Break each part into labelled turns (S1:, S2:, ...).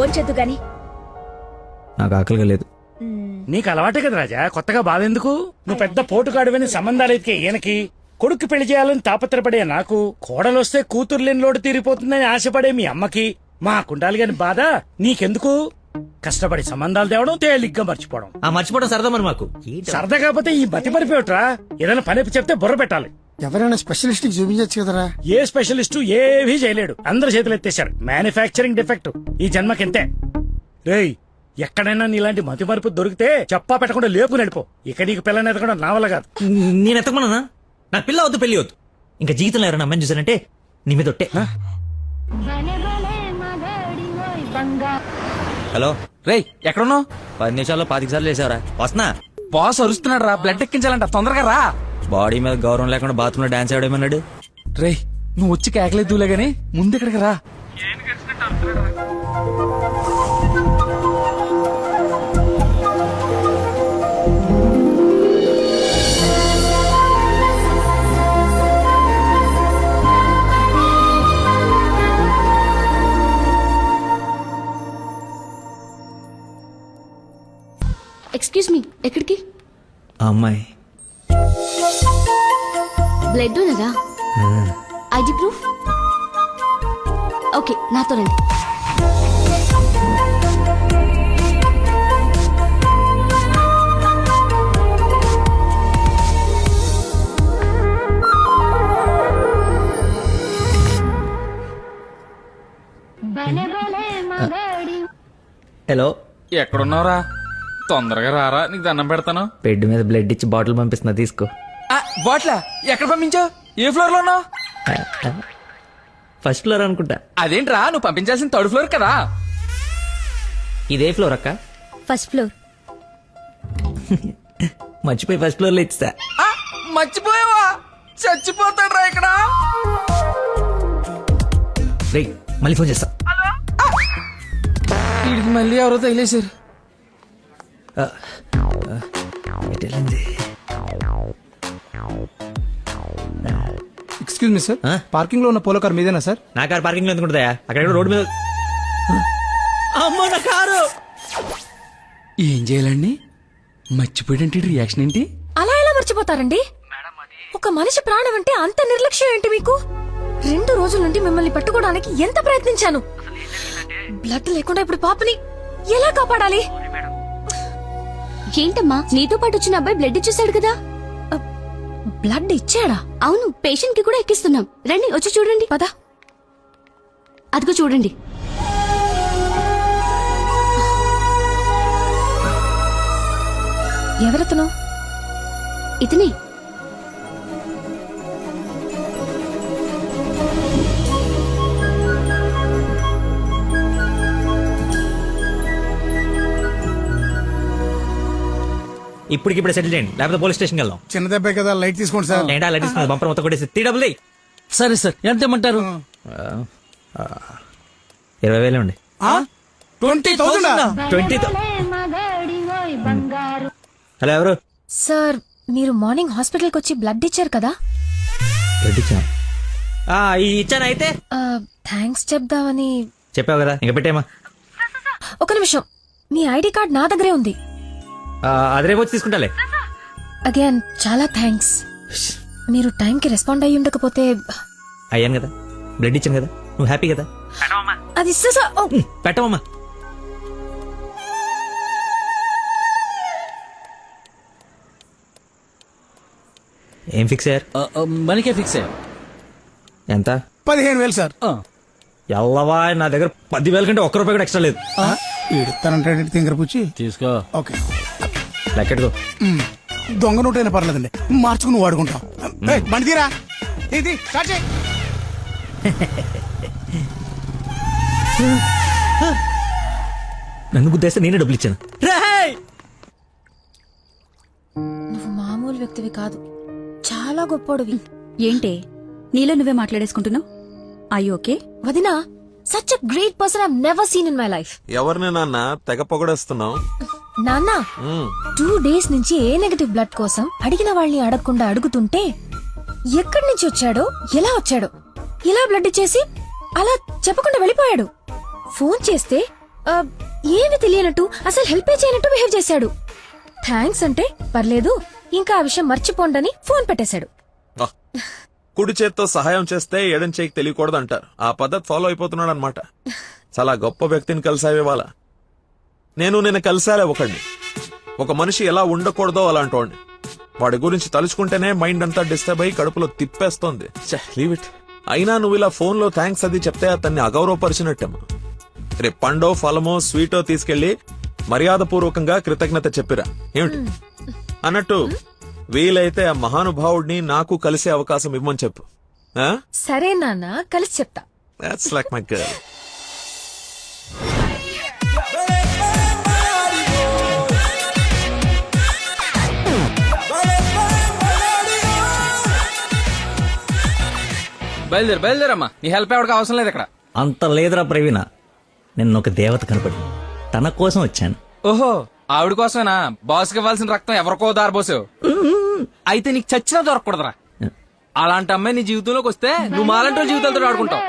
S1: భోంచెద్దు గాని.
S2: నాకు ఆకలిగా లేదు.
S3: నీకు అలవాటే కదా రాజా, కొత్తగా బాధెందుకు? నువ్వు పెద్ద పోటుగాడువని సంబంధాలు ఎతికే ఈయనకి, కొడుకు పెళ్లి చేయాలని తాపత్రపడే నాకు, కోడలొస్తే కూతురు లేని లోటు తీరిపోతుందని ఆశపడే మీ అమ్మకి, మా కుండాలి గాని బాధ నీకెందుకు? కష్టపడి సంబంధాలు తేవడం, తేలిగ్గా మర్చిపోవడం.
S2: మర్చిపోవడం సరదా మరి మాకు.
S3: సరదా కాకపోతే ఈ బతి మరిపోయట్రా. ఏదైనా పని చెప్తే బుర్ర పెట్టాలి.
S4: ఎవరైనా స్పెషలిస్ట్ కి చూపించచ్చు కదరా.
S3: ఏ స్పెషలిస్టు ఏవీ చేయలేడు, అందరు చేతులు ఎత్తేశారు. మ్యానుఫ్యాక్చరింగ్ డిఫెక్ట్ ఈ జన్మకింతే. రేయ్, ఎక్కడైనా నీలాంటి మతి మరుపు దొరికితే చెప్పా పెట్టకుండా లేపు నడిపో. ఇక నీకు పిల్లని ఎదగడం నా వల్ల కాదు.
S2: నేను ఎత్తకమన్నా? నాకు పిల్ల వద్దు, పెళ్లి వద్దు. ఇంకా జీవితంలో ఎవరైనా అమ్మాయిని చూసానంటే నీ మీద ఒట్టే. హలో
S5: రేయ్, ఎక్కడున్నావు?
S2: 10 నిమిషాల్లో 25 సార్లు వేసావరా? వస్తున్నా.
S5: బాస్ అరుస్తున్నాడు రా, బ్లడ్ ఎక్కించాలంట, తొందరగా రా.
S2: బాడీ మీద గౌరవం లేకుండా బాత్రూమ్ లో డాన్స్ ఆడేమన్నాడు.
S5: రేయ్, నువ్వు వచ్చి కేకలేదులే గానీ ముందు ఇక్కడికి రా.
S1: ఎక్స్క్యూజ్ మీ, ఎక్కడికి?
S2: ఆ అమ్మాయి
S1: బ్లడ్ ఉన్నదా? ID proof? ఓకే, నాతో రండి.
S2: హలో,
S5: ఎక్కడున్నావురా? తొందరగా రారా, నీకు దండం పెడతాను.
S2: బెడ్ మీద బ్లడ్ ఇచ్చి బాటిల్ పంపిస్తున్నా, తీసుకో.
S5: బాట్లా ఎక్కడ పంపించావు? ఏ ఫ్లోర్ లో ఉన్నావు?
S2: ఫస్ట్ ఫ్లోర్ అనుకుంటా.
S5: అదేంట్రా, నువ్వు పంపించాల్సిన 3rd ఫ్లోర్ కదా.
S2: ఇదే ఫ్లోర్ అక్క?
S1: First floor.
S2: మర్చిపోయి ఫస్ట్ ఫ్లోర్ లో ఇచ్చా.
S5: మర్చిపోయావా? చచ్చిపోతాడ్రా ఇక్కడ.
S2: రే, మళ్ళీ ఫోన్ చేస్తా.
S5: వీడికి మళ్ళీ ఎవరో తగిలేశారు.
S4: ఎక్స్క్యూజ్ మీ సార్, పార్కింగ్ లో ఉన్న పోలో కార్ మీదేనా సార్?
S2: నా కారు పార్కింగ్ లో ఎందుకుంటుందా? అక్కడ రోడ్డు మీద. అమ్మో, నా కారు!
S5: ఏం చేయాలండి? మర్చిపోయాడంటే రియాక్షన్ ఏంటి?
S6: అలా ఎలా మర్చిపోతారండి? ఒక మనిషి ప్రాణం అంటే అంత నిర్లక్ష్యం ఏంటి మీకు? 2 రోజుల నుండి మిమ్మల్ని పట్టుకోవడానికి ఎంత ప్రయత్నించాను. బ్లడ్ లేకుండా ఇప్పుడు పాపని ఎలా కాపాడాలి?
S1: ఏంటమ్మా, నీతో పాటు వచ్చిన అబ్బాయి బ్లడ్ ఇచ్చేసాడు కదా?
S6: బ్లడ్ ఇచ్చాడా?
S1: అవును, పేషెంట్ కి కూడా ఎక్కిస్తున్నాం. రండి, వచ్చి చూడండి.
S6: పద.
S1: అదిగో చూడండి.
S6: ఎవరతను?
S1: ఇతనే.
S2: ఇప్పటికిప్పుడు సెటిల్ చేయండి, లేకపోతే పోలీస్ స్టేషన్కి వెళ్దాం.
S4: చిన్న దెబ్బే కదా, లైట్ తీసుకోండి సార్.
S2: ఏంటా లైట్ తీసుకున్నది? బంపర్ మొత్తం కొట్టేసి 3 డబ్బులు.
S5: సరే సార్, ఎంత ఇమ్మంటారు?
S2: 20,000 ఉండి.
S4: 20,000?
S2: 20,000. హలో, ఎవరు?
S6: సార్, మీరు మార్నింగ్ హాస్పిటల్కి వచ్చి బ్లడ్ ఇచ్చారు కదా?
S2: బ్లడ్ ఇచ్చాను. ఇచ్చాను. అయితే
S6: థ్యాంక్స్ చెప్దామని.
S2: చెప్పావు కదా, ఇంకా పెట్టేమా.
S6: ఒక నిమిషం, మీ ఐడి కార్డ్ నా దగ్గరే ఉంది.
S2: అది రేపు వచ్చి తీసుకుంటాలే.
S6: అగైన్ చాలా థ్యాంక్స్. మీరు టైంకి రెస్పాండ్ అయ్యి ఉండకపోతే.
S2: అయ్యాను కదా, బ్లడ్ ఇచ్చాను కదా, నువ్వు హ్యాపీ కదా?
S6: అది
S2: పెట్టవమ్మా. ఏం ఫిక్స్ అయ్యారు?
S5: మనకే ఫిక్స్ అయ్యా.
S2: ఎంత?
S4: 15,000 సార్.
S2: ఎల్లవా, నా దగ్గర 10,000 కంటే ₹1 కూడా ఎక్స్ట్రా లేదు.
S4: ఇడతానంటే తింగర పుచ్చి
S5: తీసుకో.
S4: ఓకే,
S2: లెక్కెట్టుకో.
S4: దొంగ నోటైనా పర్లేదండి, మార్చుకుని నువ్వు వాడుకుంటావు. బండి తీరా, ఇది స్టార్ట్ చేయి.
S2: నన్ను గుద్దేస్తే నేనే డబ్బులు ఇచ్చాను.
S6: నువ్వు మామూలు వ్యక్తివి కాదు, చాలా గొప్పోడివి.
S1: ఏంటే నీలో నువ్వే మాట్లాడేసుకుంటున్నావు? I okay?
S6: వదినా, such a great person I never seen in my life.
S7: ఎవరిని నాన్న తెగ పొగడేస్తున్నావు?
S6: నాన్న 2 days నుంచి ఏ నెగటివ్ బ్లడ్ కోసం అడిగిన వాళ్ళని అడగకుండా అడుగుతుంటే ఎక్కడి నుంచి వచ్చాడో, ఎలా వచ్చాడో, ఇలా బ్లడ్ ఇచ్చేసి అలా చెప్పకుండా వెళ్ళిపోయాడు. ఫోన్ చేస్తే ఏమి తెలియనట్టు అసలు హెల్ప్ చేయనట్టు బిహేవ్ చేశాడు. థ్యాంక్స్ అంటే పర్లేదు, ఇంకా ఆ విషయం మర్చిపోండని ఫోన్ పెట్టేశాడు.
S7: కుడి చేత్తో సహాయం చేస్తే ఎడం చేయికి తెలియకూడదు అంటారు. ఆ పద్ధతి ఫాలో అయిపోతున్నాడు అనమాట. చాలా గొప్ప వ్యక్తిని కలిసావే వాళ్ళ. నేను కలిసాలే ఒకడిని. ఒక మనిషి ఎలా ఉండకూడదో అలాంటి వాడిని. వాడి గురించి తలుచుకుంటేనే మైండ్ అంతా డిస్టర్బ్ అయ్యి కడుపులో తిప్పేస్తోంది. Leave it. అయినా నువ్వు ఇలా ఫోన్ లో థ్యాంక్స్ అది చెప్తే అతన్ని అగౌరవపరిచినట్టేమో. రేపు పండో ఫలమో స్వీటో తీసుకెళ్లి మర్యాదపూర్వకంగా కృతజ్ఞత చెప్పిరా ఏమిటి అన్నట్టు. వీలైతే ఆ మహానుభావుడిని నాకు కలిసే అవకాశం ఇవ్వమని చెప్పు.
S6: సరే నాన్న, కలిసి చెప్తా.
S7: That's like my girl.
S5: బయలుదేరమ్మా, నీ హెల్ప్ ఎవరికి అవసరం లేదు ఇక్కడ.
S2: అంత లేదురా ప్రవీణ, నిన్న ఒక దేవత కనపడి తన కోసం వచ్చాను.
S5: ఓహో, ఆవిడ కోసమేనా బాస్కి ఇవ్వాల్సిన రక్తం ఎవరికో దారబోసావు? అయితే నీకు చచ్చినా దొరకకూడదురా. అలాంటి అమ్మాయి నీ జీవితంలోకి వస్తే నువ్వు మాలంటి జీవితాలతో ఆడుకుంటావు.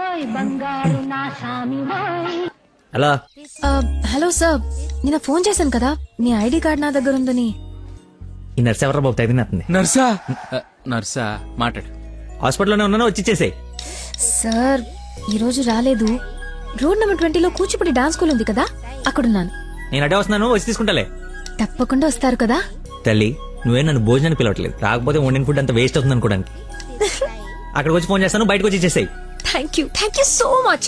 S2: అలా
S6: హలో సార్, నిన్న ఫోన్ చేశాను కదా, మీ ఐడి కార్డ్ నా దగ్గర ఉందని.
S2: ఈ నర్స్ ఎవరా బాబు తగినట్టుంది.
S5: నర్సా? నర్సా మాట్లాడు.
S2: హాస్పిటల్లోనే ఉన్నాను, వచ్చి ఇచ్చేసేయ్.
S6: సార్ ఈ రోజు రాలేదు. రోడ్ నెంబర్ 20లో కూచిపూడి డాన్స్ స్కూల్ ఉంది కదా, అక్కడున్నాను.
S2: నేను అడే వస్తున్నాను, వచ్చి తీసుకుంటాలే.
S6: తప్పకుండా వస్తారు కదా.
S2: తల్లి, నువ్వే నన్ను భోజనాన్ని పిలవట్లేదు. రాకపోతే వండిన ఫుడ్ అంత వేస్ట్ అవుతుంది అనుకోడానికి. అక్కడికి వచ్చి ఫోన్ చేస్తాను, బయటకు వచ్చి ఇచ్చేసేయ్.
S6: Thank you so much.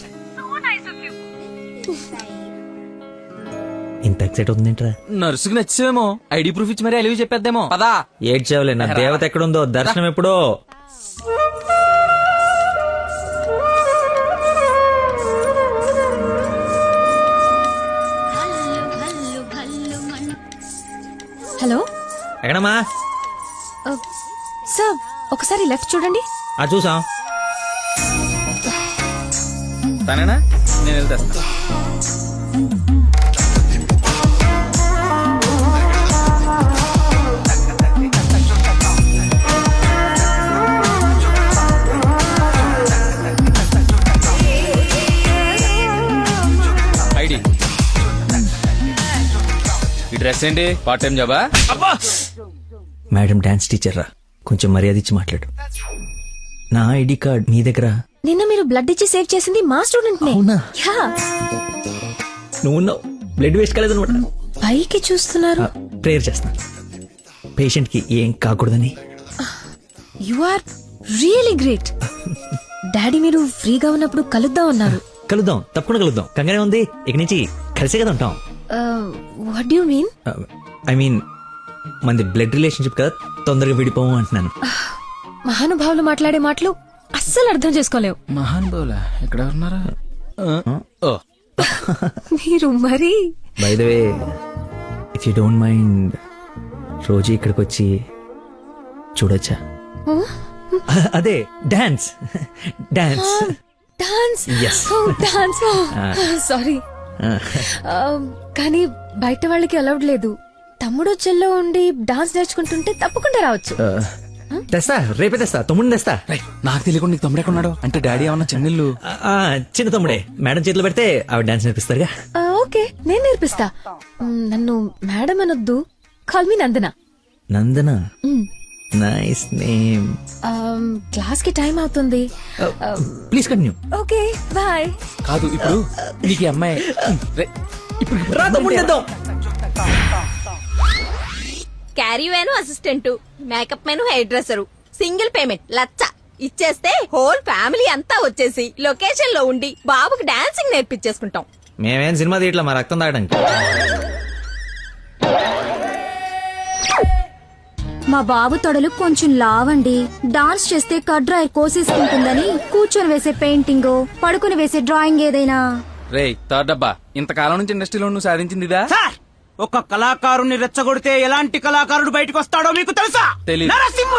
S2: ఇంత ఎక్సైట్ అవుతుందేంట్రా?
S5: నర్సుకి నచ్చేమో, ఐడి ప్రూఫ్ ఇచ్చి మరీ అలివి చెప్పేద్దేమో. పదా
S2: ఏడ్చావులే, నా దేవత ఎక్కడుందో దర్శనం ఎప్పుడో.
S6: హలో
S2: ఎక్కడమ్మా?
S6: సార్ ఒకసారి లెఫ్ట్ చూడండి.
S2: చూసాం.
S5: తనేనా? నేను వెళ్తేస్తా. ఐడి, ఈ డ్రెస్ ఏంటి? పార్ట్ టైం జాబా?
S2: మేడం డాన్స్ టీచర్ రా, కొంచెం మర్యాద ఇచ్చి మాట్లాడు. నా ఐడి కార్డ్ నీ దగ్గర.
S6: నిన్న మీరు బ్లడ్ ఇచ్చి సేవ్ చేసింది మా స్టూడెంట్ నే.
S2: అవునా?
S6: యా.
S2: నువ్వు బ్లడ్ వేస్ట్ కాలేదనమాట.
S6: పైకి చూస్తున్నారు.
S2: ప్రేయర్ చేస్తా, పేషెంట్ కి ఏం కాకూడదని.
S6: You are really great. Daddy మీరు ఫ్రీగా ఉన్నప్పుడు కలుద్దాం అన్నారు.
S2: కలుద్దాం, తప్పకుండా కలుద్దాం. కంగానే ఉంది, ఇక నుంచి కలిసే కదా ఉంటాం.
S6: What do you mean?
S2: I mean మనది బ్లడ్ రిలేషన్షిప్ కదా, తొందరగా విడిపోము అంటున్నాను.
S6: మహానుభావులు మాట్లాడే మాటలు అస్సలు అర్థం చేసుకోలేవు.
S5: మహాన్ బౌలా ఎక్కడ ఉన్నారా? ఓ,
S6: మీరు మరి.
S2: By the way, if you don't mind, రోజు ఇక్కడికి వచ్చి చూడొచ్చా? అదే dance. Dance
S6: dance.
S2: Yes.
S6: Dance. Sorry, కానీ బయట వాళ్ళకి అలౌడ్ లేదు. తమ్ముడు చెల్లో ఉండి డాన్స్ నేర్చుకుంటుంటే తప్పకుండా రావచ్చు.
S2: తెస్తా, రేపే తెస్తా. తమ్ముడిని తెస్తా.
S5: నాకు తెలియకుండా నీకు తమ్ముడు ఎక్కడున్నాడు? అంటే డాడీ ఏమన్నా చెన్నెళ్ళు?
S2: చిన్న తమ్ముడే. మేడం చేతిలో పెడితే ఆవిడ డాన్స్ నేర్పిస్తారుగా.
S6: ఓకే, నేను నేర్పిస్తా. నన్ను మేడం అనొద్దు, call me Nandana.
S2: Nandana, nice name.
S6: Class కి టైం అవుతుంది.
S2: Please continue.
S6: Okay, bye.
S5: కాదు, ఇప్పుడు నీకు ఈ అమ్మాయి
S2: రా తమ్ముడిని తెద్దాం.
S8: Carry van assistant, makeup man hair dresser, single payment 1,00,000 ఇచ్చేస్తే హోల్ ఫ్యామిలీ అంతా వచ్చేసి లొకేషన్ లో ఉండి బాబుకి డాన్సింగ్ నేర్పించేసుకుంటాం.
S2: మేమేం సినిమా తీయట్లా, మా రక్తం తాగడానికి.
S9: మా బాబు తొడలు కొంచెం లావండి. డాన్స్ చేస్తే కడ్రాయి కోసేసుకుంటుందని కూర్చొని వేసే పెయింటింగ్, పడుకుని వేసే డ్రాయింగ్ ఏదైనా.
S5: రే థర్డ్ డబ్బా, ఇంతకాలం నుంచి ఇండస్ట్రీలో నువ్వు సాధించింది ఇదా?
S4: ఒక కళాకారుని రెచ్చగొడితే ఎలాంటి కళాకారుడు బయటకు వస్తాడో మీకు తెలుసా?
S5: తెలీదు.
S4: నరసింహ!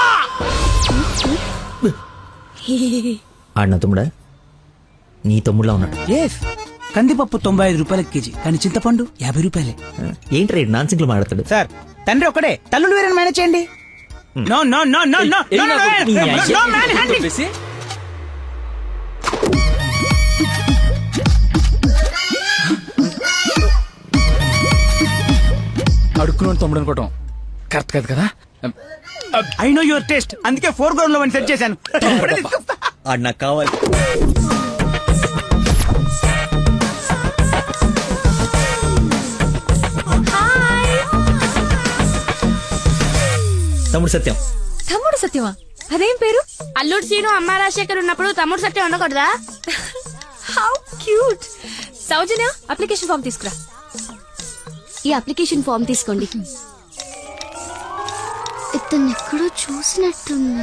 S2: ఆడిన తమ్ముడా? నీ తమ్ముడులా ఉన్నాడు.
S4: కందిపప్పు 95 రూపాయల కేజీ, కానీ చింతపండు 50 రూపాయలే.
S2: ఏంటి రేడు నాన్ సింగ్లు మాట్లాడతాడు?
S4: సార్, తండ్రి ఒకడే, తల్లులు వేరే మేనేజ్ చేయండి. No no no no no
S5: ఏయ్,
S4: నో
S5: నాకు
S4: నో
S5: నీ
S4: నో మ్యాన్ హ్యాండింగ్.
S5: చెప్పేసి, అడుక్కుని తమ్ముడు అనుకోవటం కరెక్ట్ కాదు కదా.
S4: ఐ నో యువర్ టేస్ట్, అందుకే 4 గ్రౌండ్ లో సెట్ చేశాను. ఇప్పుడే తీసుకొస్తా.
S2: ఆడు నాకు కావాలి. తమ్ముడు సత్యం.
S6: తమ్ముడు సత్యమా? అదేం పేరు?
S10: అల్లుడు సీను అమ్మ రాజశేఖర్ ఉన్నప్పుడు తమ్ముడు సత్యం ఉండకూడదా?
S6: How cute. Soujanya, application form తీసుకురా.
S9: ఈ అప్లికేషన్ ఫామ్ తీసుకోండి. ఇతను ఎక్కడో చూసినట్టుంది.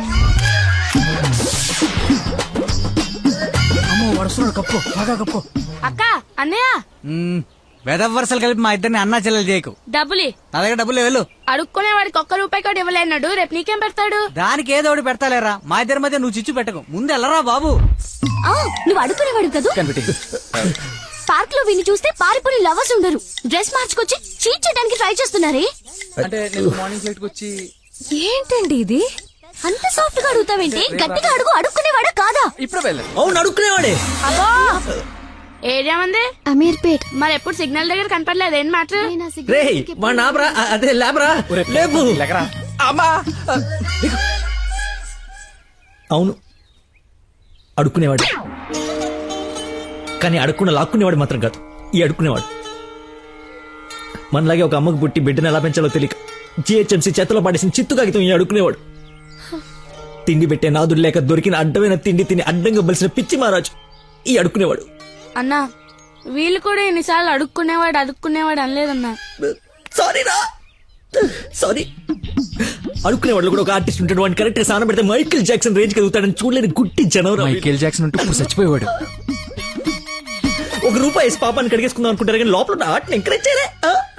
S4: అమ్మో వరుసలో కప్పు, బాగా కప్పు.
S10: అక్క, అన్నయ్య
S4: వెదవ వరుసలు కలిపి మా ఇద్దరిని అన్నా చెల్లెలు చేయకు.
S10: డబ్బులి
S4: నా దగ్గర డబ్బులు వెళ్ళు.
S10: అడుక్కునే వాడికి ₹1 కూడా ఇవ్వలేన్నాడు. రేపు నీకేం పెడతాడు?
S4: దానికి ఏదో ఒకటి పెడతాలేరా, మా ఇద్దరి మధ్య నువ్వు చిచ్చు పెట్టకు. ముందు వెళ్ళరా బాబు.
S9: నువ్వు అడుగునేవాడు కదా. పార్క్ లో విని చూస్తే పారిపోయి లవర్స్ ఉండరు. డ్రెస్ మార్చుకొచ్చి చీట్ చేయడానికి ట్రై చేస్తున్నారే.
S5: అంటే నేను మార్నింగ్ ఫ్లైట్ వచ్చి
S6: ఏంటండి ఇది?
S9: అంత సాఫ్ట్ గా అడుగుతావేంటి? గట్టిగా అడుగు. అడుక్కునేవాడా కాదా?
S5: ఇప్పుడు వెళ్ళాను.
S2: అవును అడుక్కునేవాడే.
S10: అబ్బో ఏరియా మంది
S9: అమీర్పేట్.
S10: మరి ఎప్పుడు సిగ్నల్ దగ్గర కనపడలేదు. ఏం మాట?
S2: రే మా నాబ్రా, అదే లేబరా, లేపు.
S5: అమ్మా
S2: అవును అడుక్కునేవాడు, కానీ అడుక్కున్న లాక్కునేవాడు మాత్రం కాదు ఈ అడుక్కునేవాడు. మనలాగే ఒక అమ్మకు పుట్టి బిడ్డను ఎలా పెంచాలో తెలియక జిహెచ్ఎంసీ చేతిలో పడేసిన చిత్తు కాగితం ఈ అడుక్కునేవాడు. తిండి పెట్టే నాదుడు లేక దొరికిన అడ్డమైన తిండి తిని అడ్డంగా బలిసిన పిచ్చి మహారాజు ఈ అడుక్కునేవాడు.
S10: అన్నా వీళ్ళు కూడా ఎన్నిసార్లు అడుక్కునేవాడు అనలేదన్నా.
S2: సారీరా, సారీ. అడుక్కునేవాడు కూడా ఒక ఆర్టిస్ట్ ఉంటాడు. వాడిని కరెక్ట్ గా సాన పెడితే మైకేల్ జాక్సన్ రేంజ్ ఎదుగుతాడని చూడలేని గుట్టి జనవరం.
S5: మైకేల్ జాక్సన్ ఉంటూ ఇప్పుడు చచ్చిపోయేవాడు.
S2: ₹1 వేసి పాపాన్ని కడిగేసుకుందాం అనుకుంటారు కానీ లోపల ఉన్న ఆర్ట్ని ఎంకరేజ్ చేయలే.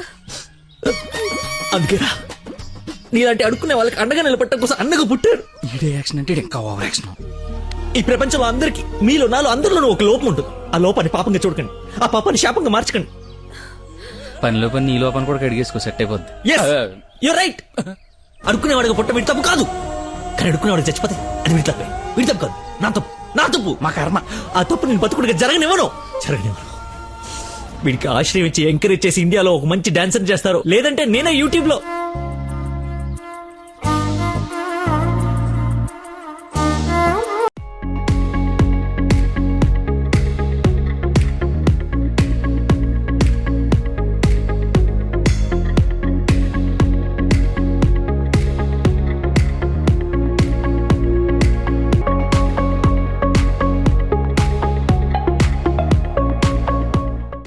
S2: అందుకేరా నీలాంటి అడుక్కునే వాళ్ళకి అండగా నిలబట్టడం కోసం అన్నగా పుట్టారు.
S5: ఈడే యాక్షన్ అంటే ఇంకా ఓవర్ యాక్షన్.
S2: ఈ ప్రపంచంలో అందరికి మీలో నాలో అందరిలోనూ ఒక లోపం ఉంటుంది. ఆ లోపాన్ని పాపంగా చూడకండి, ఆ పాపాన్ని శాపంగా మార్చకండి.
S5: పనిలో పని నీ లోపల కూడా కడిగేసుకో, సెట్ అయిపోద్ది.
S2: You're right. అడుక్కునేవాడిగా పుట్ట వీడి తప్పు కాదు, కానీ అడుక్కునేవాడికి చచ్చిపోతే అది వీడి తప్పే. వీడి తప్పు కాదు, నా తప్పు, నా తప్పు, మా కర్మ. ఆ తప్పు నేను బతుకుడిగా జరగనివ్వను. వీడికి ఆశ్రయం ఇచ్చి ఎంకరేజ్ చేసి ఇండియాలో ఒక మంచి డాన్సర్ చేస్తారు. లేదంటే నేనే యూట్యూబ్ లో